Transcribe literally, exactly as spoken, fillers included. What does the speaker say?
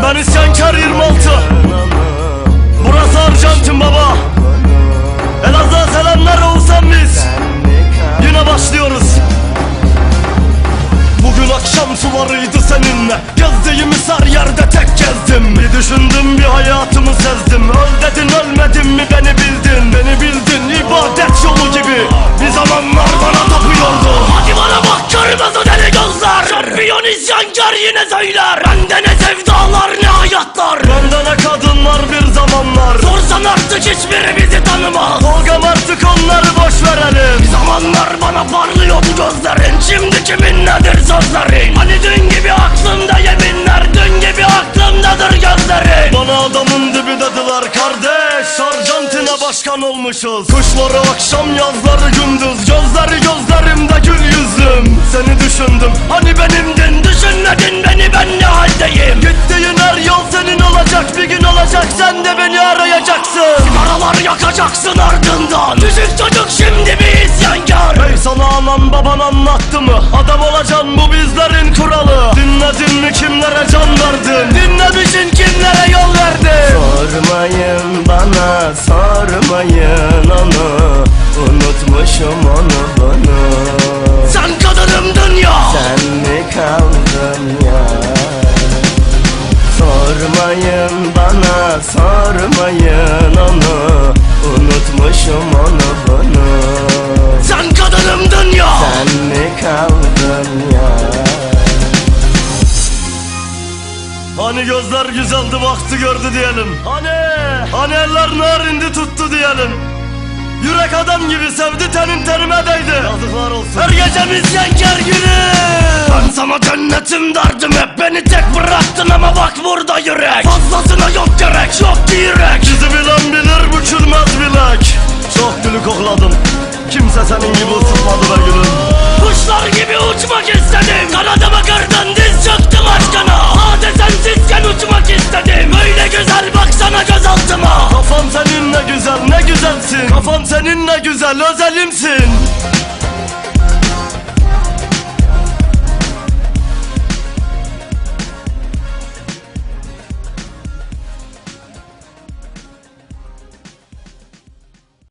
Ben isyankar yirmi altı. Burası Arjantin baba. Elazığ'a selamlar Oğuzhan biz. Yine başlıyoruz. Bugün akşam sularıydı seninle. Gezdiğimiz her yerde tek gezdim. Bir düşündüm, bir hayatımı sezdim. Öl dedin, ölmedim mi beni bildin. Beni bildin, ibadet yolu gibi. Bir zamanlar bana tapıyordu. Hadi bana bak, kırmızı deli gözler. Şampiyon isyankar yine söyler. Bende ne sevdalar ne hayatlar. Bende ne kadınlar bir zamanlar. Sorsan artık hiçbiri bizi tanımaz. Tolgam artık onları boş verelim. Bir zamanlar bana parlıyordu gözlerin. Şimdi kimin nedir sözlerin? Hani dün gibi aklımda yeminler, dün gibi aklımdadır gözlerin. Bana adamın dibi dediler kardeş. Arjantin'e başkan olmuşuz. Kışları akşam, yazları gündüz. Gözleri gözlerimde gül yüzüm. Seni düşündüm, hani benimdin. Düşünmedin beni, ben ne haldeyim? Gittiğin her yol senin olacak. Bir gün olacak, sen de beni arayacaksın. Sigaralar yakacaksın ardından. Küçük çocuk şimdi bir isyankar. Hey, sana anan baban anlattı mı? Adam olacaksın, bu bizlerin kuralı. Dinledin mi, kimlere can verdin? Dinlemişsin, kimlere yol verdin? Sormayın bana, sormayın onu. Unutmuşum onu bunu. Sen kadınımdın ya. Sen mi kaldın ya? Sormayın bana, sormayın onu. Unutmuşum onu bunu. Sen kadınımdın ya. Sen mi kaldın ya? Hani gözler güzeldi, baktı gördü diyelim. Hani, hani eller narindi tuttu diyelim. Yürek adam gibi sevdi, tenin terime değdi. Yazıklar olsun. Her gecemiz yenker günü. Ben sana cennetim derdim, hep beni tek bıraktın ama bak burada yürek. Fazlasına yok gerek, yok direk. Bizi bilen bilir, bükülmez bilek. Çok gülü kokladım, kimse senin gibi ısıtmadı be gülüm. Kuşlar gibi uçmak istedim. Kanadıma kırdın, diz çöktüm aşkına. Hadi sensizken uçmak istedim. Öyle güzel baksana gözaltıma. Kafam senin ne güzel, ne güzelsin. Kafam senin ne güzel, özelimsin.